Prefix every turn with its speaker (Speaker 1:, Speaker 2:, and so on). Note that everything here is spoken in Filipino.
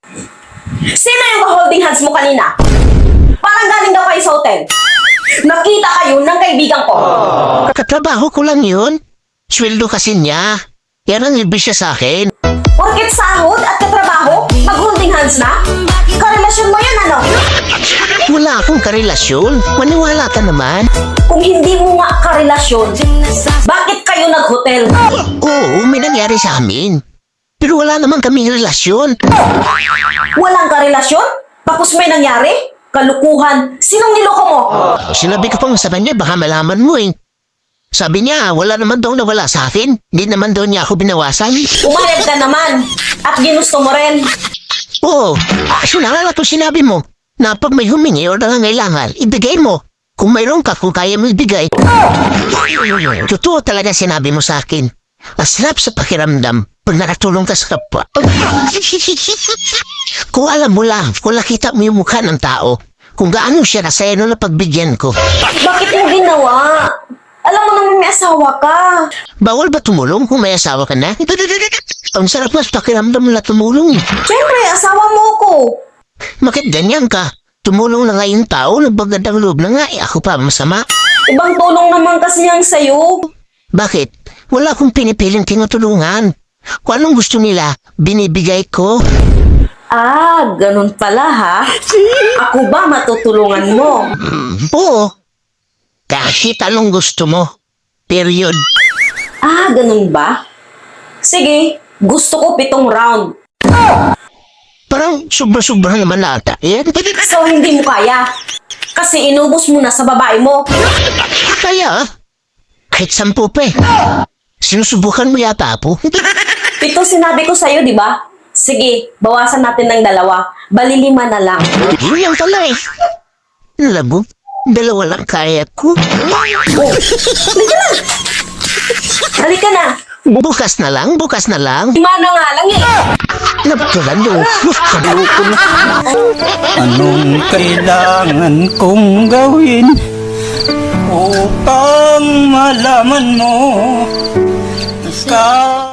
Speaker 1: Sino yung ka-holding hands mo kanina? Parang galing daw kayo sa hotel. Nakita kayo ng kaibigan ko.
Speaker 2: Katrabaho ko lang yun. Sweldo kasi niya. Yan ang ibig siya sa akin.
Speaker 1: Porket sahod at katrabaho, mag-holding hands na? Karelasyon mo yan, ano?
Speaker 2: Wala akong karelasyon. Maniwala ka naman.
Speaker 1: Kung hindi mo nga karelasyon, bakit kayo nag-hotel?
Speaker 2: Oo, may nangyari sa amin. Pero wala naman kaming relasyon.
Speaker 1: Walang karelasyon? Tapos may nangyari? Kalukuhan. Sinong niloko mo?
Speaker 2: Sinabi ko pang sa kanya, baka malaman mo eh. Sabi niya, wala naman daw nawala sa akin. Hindi naman daw niya ako binawasan.
Speaker 1: Umayag ka naman. At ginusto mo rin.
Speaker 2: Oo, sinalala ko sinabi mo na pag may humingi o nangangailangan, ibigay mo. Kung mayroon ka, kung kaya mo ibigay. Totoo talaga sinabi mo sa akin. Ang sarap sa pakiramdam pag nakatulong ka sa kapwa. Kung alam mo lang, kung nakita mo yung mukha ng tao, kung gaano siya nasaya na pagbigyan ko.
Speaker 1: Bakit mo ginawa? Alam mo naman may asawa ka.
Speaker 2: Bawal ba tumulong kung may asawa ka na? Ang sarap mas pakiramdam na tumulong.
Speaker 1: Siyempre, asawa mo ko.
Speaker 2: Bakit ganyan ka? Tumulong na nga yung tao, nagbagandang loob na nga, ako pa masama.
Speaker 1: Ibang tulong naman kasi yang sayo.
Speaker 2: Bakit? Wala akong pinipiling tinutulungan. Kung anong gusto nila, binibigay ko.
Speaker 1: Ah, ganun pala ha? Ako ba matutulungan mo?
Speaker 2: Oo. Kahit anong gusto mo. Period.
Speaker 1: Ah, ganun ba? Sige, gusto ko 7 round.
Speaker 2: Parang sobra-sobra naman ata. Eh?
Speaker 1: So, hindi mo kaya. Kasi inubos mo na sa babae mo.
Speaker 2: Kaya, kahit 10 pa eh. Sinusubukan mo yata po.
Speaker 1: 7 sinabi ko sa'yo, di ba? Sige, bawasan natin ng 2. Bali 5 na lang.
Speaker 2: Yun lang pala eh. Alam mo, 2 lang kaya ko.
Speaker 1: Oh, halika na.
Speaker 2: Bukas na lang, bukas na lang.
Speaker 1: 5 na nga lang eh.
Speaker 2: Napatulan mo. Kabuko na.
Speaker 3: Anong kailangan kong gawin upang malaman mo ka?